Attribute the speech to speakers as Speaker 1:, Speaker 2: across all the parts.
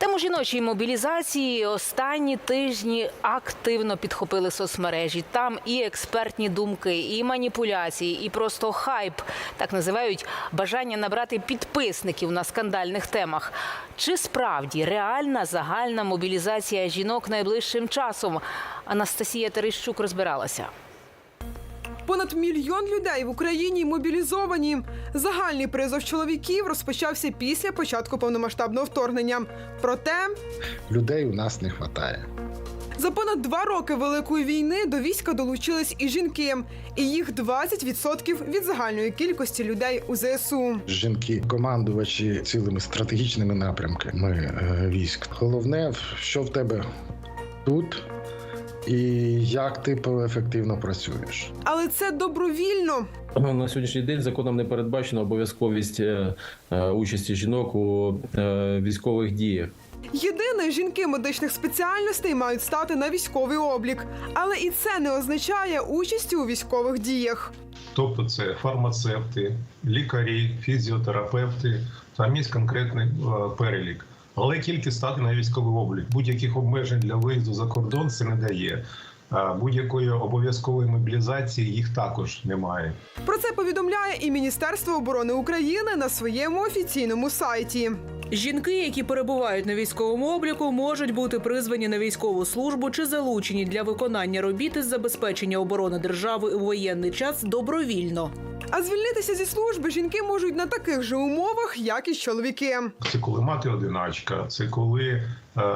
Speaker 1: Тему жіночої мобілізації останні тижні активно підхопили соцмережі. Там і експертні думки, і маніпуляції, і просто хайп. Так називають бажання набрати підписників на скандальних темах. Чи справді реальна загальна мобілізація жінок найближчим часом? Анастасія Терещук розбиралася.
Speaker 2: Понад 1 мільйон людей в Україні мобілізовані. Загальний призов чоловіків розпочався після початку повномасштабного вторгнення. Проте
Speaker 3: людей у нас не вистачає.
Speaker 2: За понад 2 роки Великої війни до війська долучились і жінки. І їх 20% від загальної кількості людей у ЗСУ.
Speaker 3: Жінки – командувачі цілими стратегічними напрямками військ. Головне, що в тебе тут і як ти ефективно працюєш.
Speaker 2: Але це добровільно.
Speaker 4: На сьогоднішній день законом не передбачено обов'язковість участі жінок у військових діях.
Speaker 2: Єдине, жінки медичних спеціальностей мають стати на військовий облік. Але і це не означає участі у військових діях.
Speaker 5: Тобто це фармацевти, лікарі, фізіотерапевти, там є конкретний перелік. Але тільки стати на військовий облік. Будь-яких обмежень для виїзду за кордон це не дає. Будь-якої обов'язкової мобілізації їх також немає.
Speaker 2: Про це повідомляє і Міністерство оборони України на своєму офіційному сайті.
Speaker 6: Жінки, які перебувають на військовому обліку, можуть бути призвані на військову службу чи залучені для виконання робіт із забезпечення оборони держави у воєнний час добровільно.
Speaker 2: А звільнитися зі служби жінки можуть на таких же умовах, як і чоловіки.
Speaker 5: Це коли мати-одиначка, це коли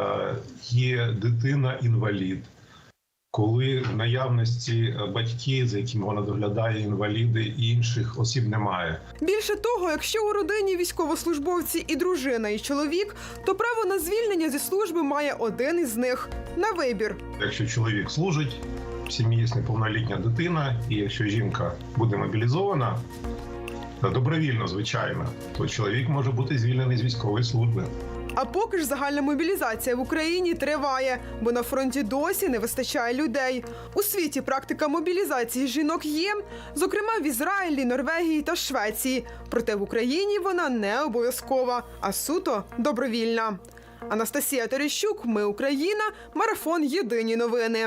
Speaker 5: є дитина-інвалід, коли в наявності батьки, за якими вона доглядає, інваліди і інших осіб немає.
Speaker 2: Більше того, якщо у родині військовослужбовці і дружина, і чоловік, то право на звільнення зі служби має один із них – на вибір.
Speaker 5: Якщо чоловік служить, в сім'ї є неповнолітня дитина, і якщо жінка буде мобілізована, добровільно, звичайно, то чоловік може бути звільнений з військової служби.
Speaker 2: А поки ж загальна мобілізація в Україні триває, бо на фронті досі не вистачає людей. У світі практика мобілізації жінок є, зокрема в Ізраїлі, Норвегії та Швеції. Проте в Україні вона не обов'язкова, а суто добровільна. Анастасія Терещук, Ми Україна, марафон «Єдині новини».